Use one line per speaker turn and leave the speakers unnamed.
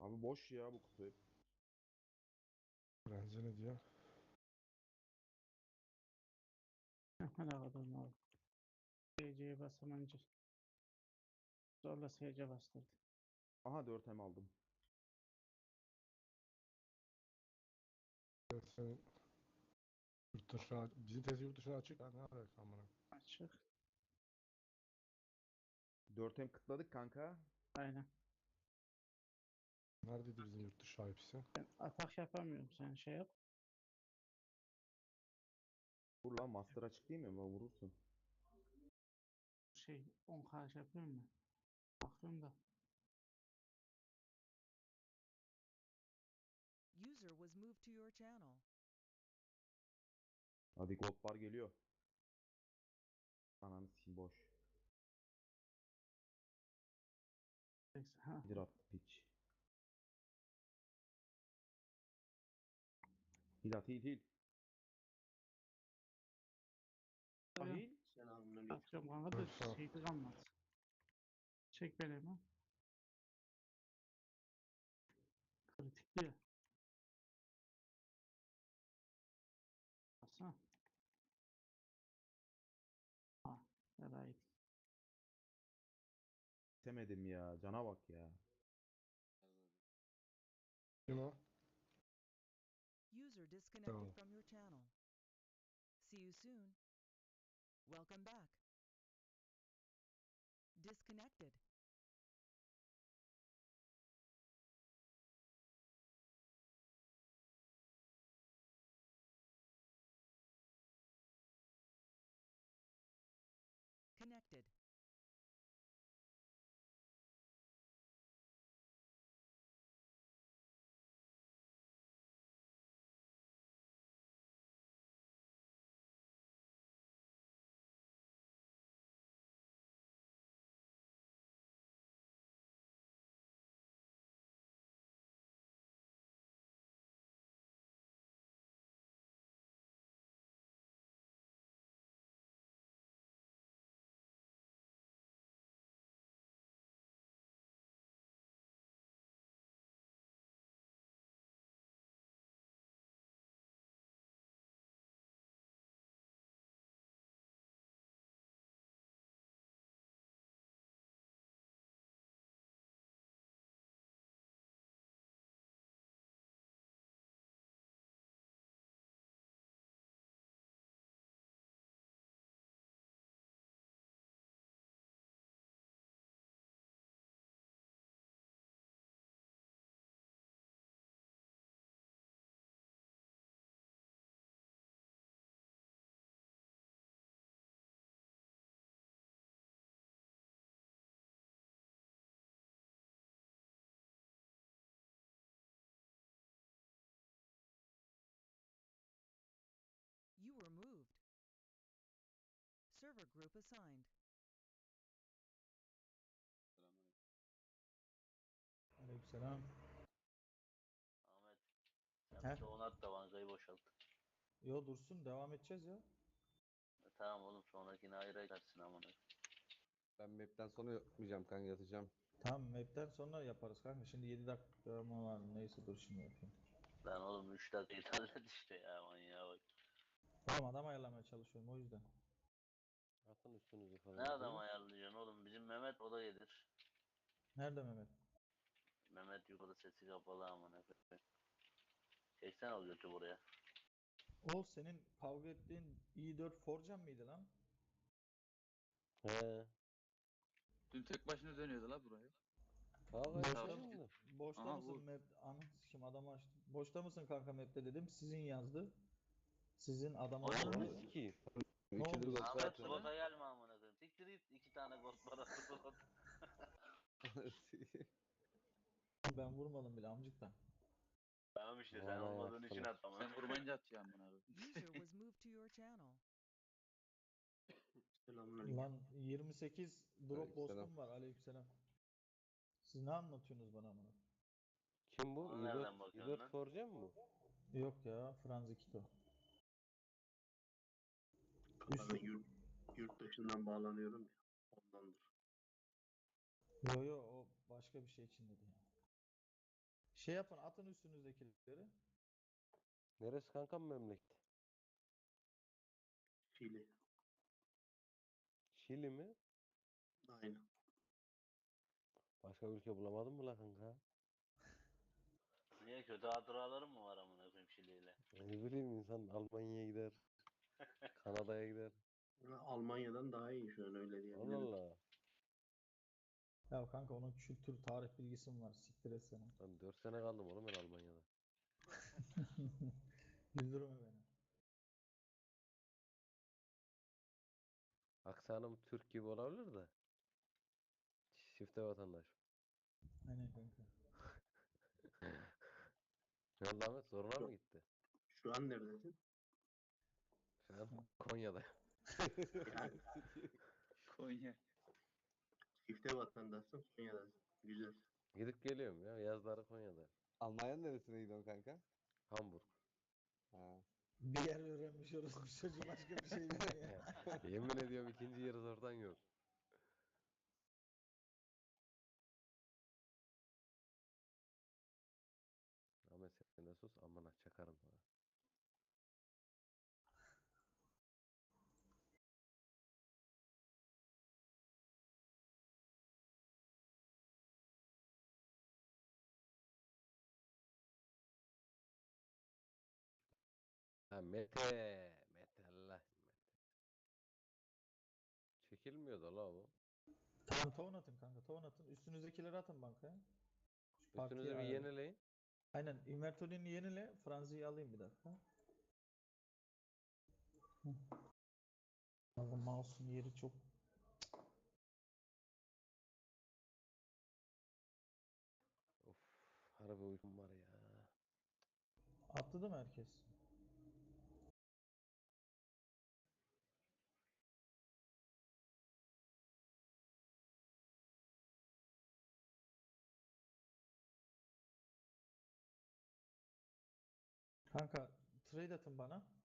Abi boş ya bu kutu hep.
Bence ne diyor?
Hadi bakalım abi. SC'ye basamayınca zorla SC bastırdı.
Aha 4M aldım.
Senin yurt dışı, bizim tezi yurt dışına açık. Ha, ne alaka amına?
Açık.
4M kıtladık kanka.
Aynen.
Neredeydi bizim yurt dışı hepsi?
Ben atak yapamıyorum. Sen şey yap.
Vur lan master açık değil mi? Ama vurursun.
10K şey yapıyorum mu? Bakıyorum da.
User was moved to your channel.
Hadi gold bar geliyor. Ananı sikeyim boş.
Neyse, ha.
Bir attı piç. Hil at hil. Ahil.
Atıyorum kanka da
Tamam.
şeyde kalmaz. Çek beni hemen. Kritikli. Baksana. Ha. Yaraydı.
İstemedim ya. Cana bak ya.
Kim o?
User disconnected
Tamam.
from your channel. See you soon. Welcome back. Disconnected. Connected. You were moved. Server group assigned.
Aleykümselam.
Ahmet sen
He?
bir çoğunu at da bankayı boşalt.
Yo dursun devam edeceğiz ya.
Tamam oğlum sonrakini ayrı edersin amına.
Ben map'ten sonra yapmayacağım kanka yatacağım.
Tamam map'ten sonra yaparız kanka. Şimdi 7 dakika mı var? Neyse dur şimdi yapayım.
Lan oğlum 3 dakikayı hallet işte ya manyağa bak.
Tamam adam ayarlamaya çalışıyorum o yüzden.
Atın üstünüzü falan
Ne adam
diye.
ayarlayacaksın oğlum bizim Mehmet o da gelir.
Nerede Mehmet?
Mehmet yukarıda sesi kapalı amına. Çeksen o götü buraya.
O senin kavga ettiğin i4 Forcan mıydı lan?
He.
Dün tek başına dönüyordu la burayı.
Kavga
Boşta,
etmedim mi?
boşta
Aha,
mısın
bu.
map? Kim adamı açtı. Boşta mısın kanka map'te dedim. Sizin yazdı. Sizin adama
Oğlum,
Ananı
sordu.
sikeyim.
Ne
İkidir
oldu?
gol
Ahmet
atıyorum.
slota gelme amına koyayım. Siktir git 2 tane gol para slot.
Ben vurmadım bile amcıktan.
Tamam işte sen
Bana
olmadığın için
yaptılar.
at amına.
Sen vurmayınca atıyor amına koyayım.
User was moved to your channel.
Lan 28 drop
Aleykümselam.
boss'um var. Aleykümselam. Siz ne anlatıyorsunuz bana bunu?
Kim bu?
Ona nereden
i4,
bakıyorsun
i4
lan?
Forge mi bu?
Yok ya Franz Kito.
Ben yurt dışından bağlanıyorum ya. Ondandır.
Yo yo o başka bir şey için dedi ya. Şey yapın, atın üstünüzdekileri.
Neresi kankam memleket?
Şili.
Şili mi?
Aynen.
Başka ülke bulamadın mı la kanka?
Niye kötü hatıralarım mı var amına koyayım Şili'yle?
Ne bileyim insan Almanya'ya gider, Kanada'ya gider.
Almanya'dan daha iyi şu an öyle
Allah
diyebilirim.
Allah.
Ya kanka onun kültür, tarih bilgisi var. Siktir et seni.
Ben 4 sene kaldım oğlum ben Almanya'da.
Güldürme beni.
Aksanım Türk gibi olabilir de. Çifte vatandaş.
Aynen kanka.
Ne oldu Ahmet? Zoruna mı gitti?
Şu an neredesin?
Şu an Konya'da.
Yani
Konya.
çifte vatandaşsın Konya'dasın. Güzel.
Gidip geliyorum ya. Yazları Konya'da.
Almanya'nın neresine gidiyorsun kanka?
Hamburg.
Ha.
Bir yer öğrenmiş orası çocuğu başka bir şey bilmiyor.
Yemin ediyorum ikinci yarı oradan yok. Ahmet sen de sus amına çakarım sana. Ha Mete. Mete Allah. Mete. Çekilmiyor da la o.
Tamam tohum atın kanka tohum atın. Üstünüzdekileri atın bankaya. Şu partiyi
Üstünüzü bir
ayarla.
yenileyin.
Aynen invertörünü yenile. Franzi'yi alayım bir dakika. Hı. Kanka mouse'un yeri çok...
Of harbi uykum var ya.
Attı değil mi herkes? Kanka trade atın bana.